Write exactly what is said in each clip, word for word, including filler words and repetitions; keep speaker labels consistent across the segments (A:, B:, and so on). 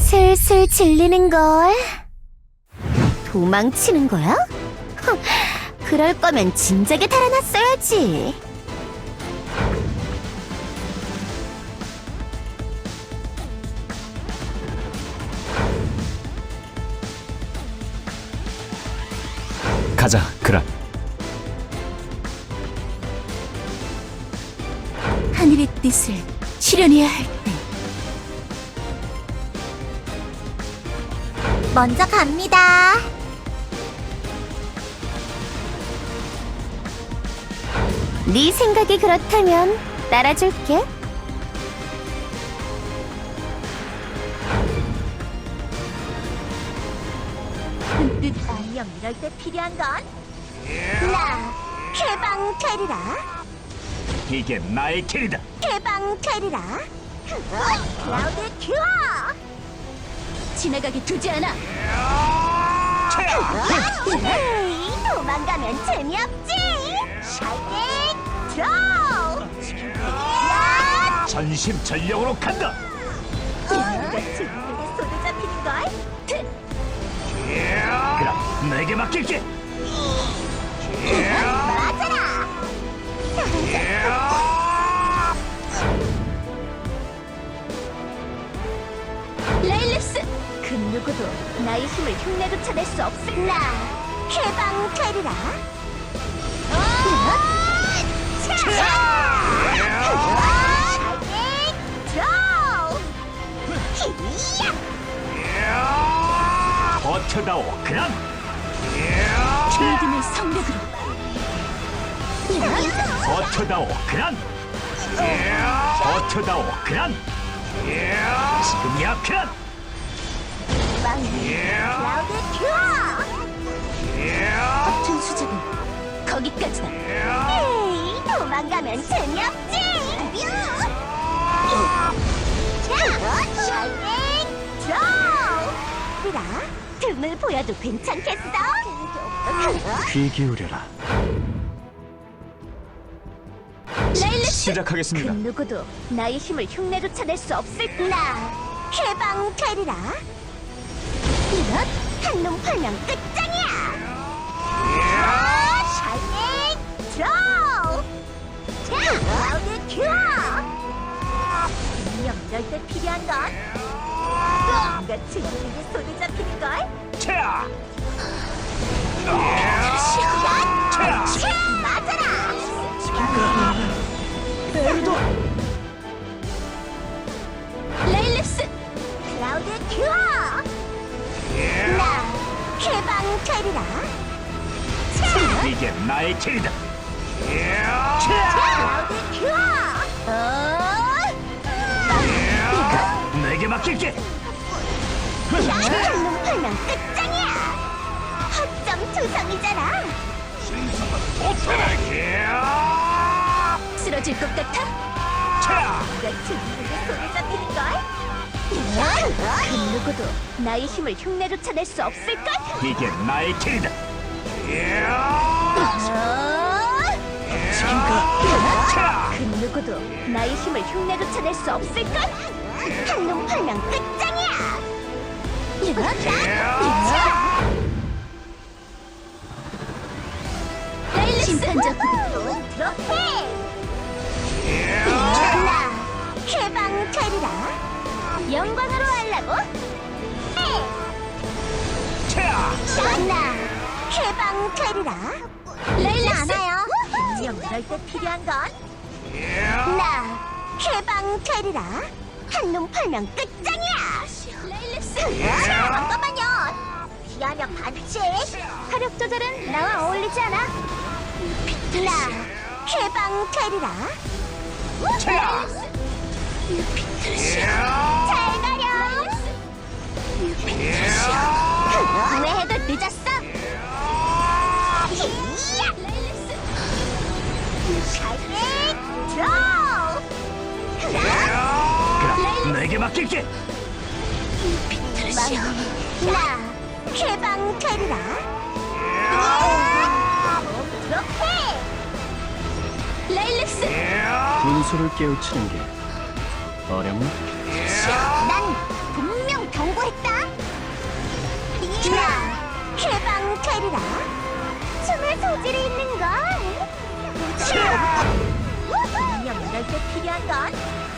A: 슬슬 질리는걸. 도망치는 거야? 흥, 그럴 거면 진작에 달아났어야지.
B: 가자, 그라.
A: 하늘의 뜻을 실현해야 할 때. 먼저 갑니다. 네 생각이 그렇다면 따라줄게.
C: 뜻 아니면 이럴 때 필요한 건 나 해방 되리라.
B: 이게 나의 길이다.
C: 해방 되리라. 클라우드 큐어. 지나가게 두지 않아. 에이, 도망가면 재미없지. 샤이닝 드로우.
B: 전심전력으로 간다.
C: 이거 지금에게 손에 잡히는 걸.
B: 그라, 내게 맡길게.
C: 맞아라. 레일리스, 그 누구도 나의 힘을 흉내로 쳐낼 수 없을 나 해방 되리라. 샤이닝 드로우.
B: 버텨다오, 그란.
C: 믿음의 성력으로.
B: 버텨다오, 그란. 버텨다오, 그란. 지금이야, 그란.
C: 클라우드 큐어. 버튼 수작은 거기까지다. 에이, 도망가면 재미없지. 자, 샤이닝 드로우. 그라, 등을 보여도 괜찮겠어?
B: 귀 기울여라.
C: 레일리스,
B: 시작하겠습니다.
C: 그 누구도 나의 힘을 흉내로 쳐낼 수 없을 나 해방 되리라. 이것 한눈 팔면 끝장이야. 샤이닝 드로우. 클라우드 큐어. 분명 이럴 때 필요한 건 뭔가 지금에게 손에 잡히는 걸.
B: 차!
C: 맞아라. 레일리스, 클라우드 큐어. 나 해방 되리라.
B: 이게 나의 길이다.
C: 클라우드 큐어. 어?
B: 내게 맡길게.
C: 한눈 팔면 끝장이야. 허점 투성이잖아. 쓰러질 것 같아?
B: 차!
C: 누가 지금에게 손에 잡히는 걸? 그 누구도 나의 힘을 흉내로 쳐낼 수 없을걸?
B: 이게 나의 길이다. 차!
C: 그 누구도 나의 힘을 흉내로 쳐낼 수 없을걸? 한눈 팔면 끝장이야. 심판자 부대 트로피. 나 해방 되리라. 영광으로 하려고?
B: 차!
C: 나 해방 되리라. 레일리스 않아요. 분명 이럴 때 필요한 건 나 해방 되리라. 한눈 팔면 끝장이야. 레일리스 잠깐만요. 피하면 반칙. 화력 조절은 나와 어울리지 않아. 나 해방 되리라.
B: 차!
C: 잘 가렴. 후회해도 늦었어. 샤이닝 드로우.
B: 그라, 내게 맡길게.
C: 나 해방 되리라. 트로피. 레일리스.
B: 분수를 깨우치는 게 어렵나?
C: 난 분명 경고했 해방되리라. 춤의 소질이 있는걸. 분명 이럴 때 필요한 건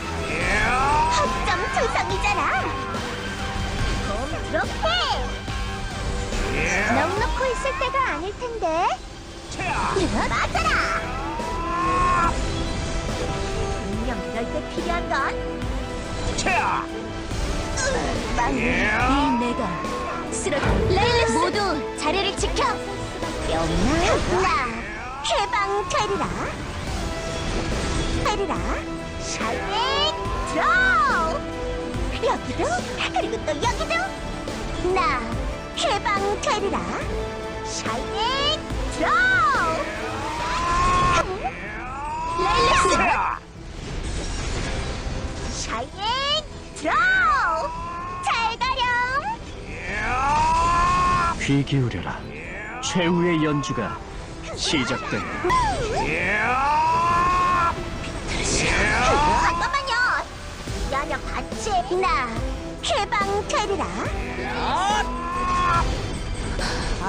C: 학점 투성이잖아. 좀 그렇게 넋 놓고 있을 때가 아닐 텐데. 맞아라. 분명 이럴 때 필요한 건
B: 차!
C: 망해. 이 내가 쓰러. 레일리스 모두 자리를 지켜. 영나 해방되리라. 되리라. 샤이닝 드로우. 여기도 그리고 또 여기도 나 해방되리라. 샤이닝 드로우. 레일리스
B: 차!
C: 샤이닝 드로우. 잘 가렴.
B: 귀 기울여라. 최후의 연주가 시작된다.
C: 잠깐만요. 야냐 같이 나 해방되리라.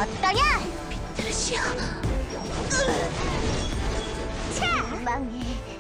C: 어떠냐? 비트르시오. 차! 망해.